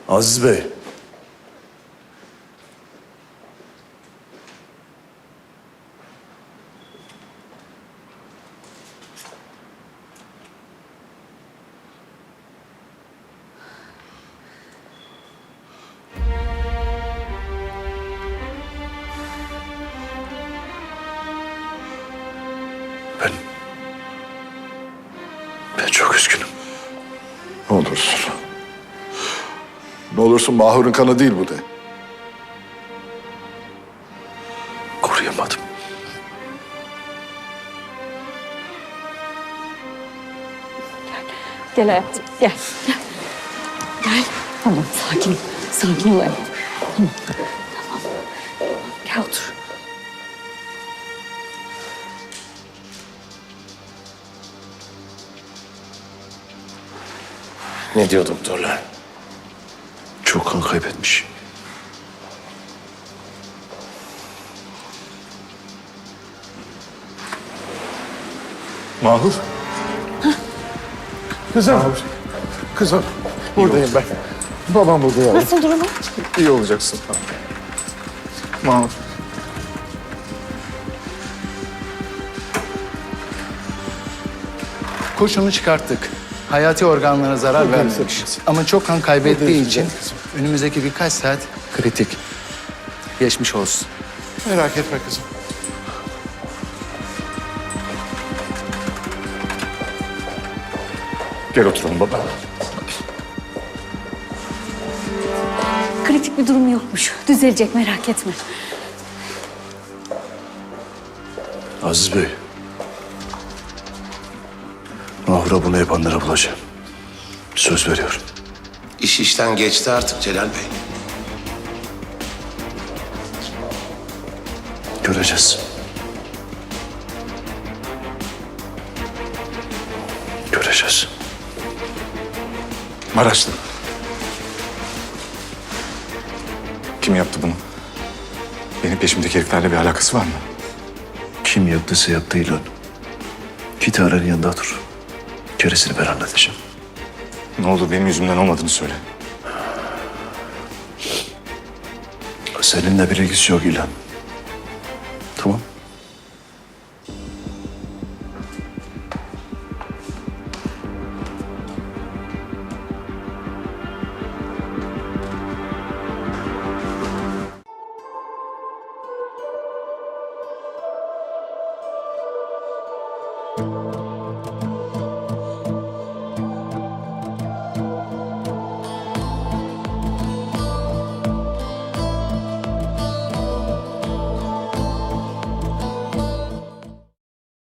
Aziz Bey. Ben çok üzgünüm. Ne olursun. Ne olursun Mahur'un kanı değil bu de. Koruyamadım. Gel hayatım, gel. Gel. Tamam, sakin ol. Sakin ol hayatım. Tamam. Gel otur. Ne diyor doktorlar? Çok kan kaybetmiş. Mahur. Kızım. Kızım. Buradayım ben. Babam burada ya. Nasıl durumu? İyi olacaksın. Mahur. Kurşunu çıkarttık. Hayati organlara zarar vermemiş. Ama çok kan kaybettiği için önümüzdeki birkaç saat kritik. Geçmiş olsun. Merak etme kızım. Gel oturalım baba. Kritik bir durum yokmuş. Düzelecek, merak etme. Aziz Bey. Mahur'a bunu yapanlara bulacağım. Söz veriyorum. İş işten geçti artık Celal Bey. Göreceğiz. Göreceğiz. Maraşlı. Kim yaptı bunu? Benim peşimdeki heriflerle bir alakası var mı? Kim yaptıysa yaptı İlhan. Git Aren'in yanında dur. Gerisini ben halledeceğim. Ne olur benim yüzümden olmadığını söyle. Seninle bir ilgisi yok İlhan.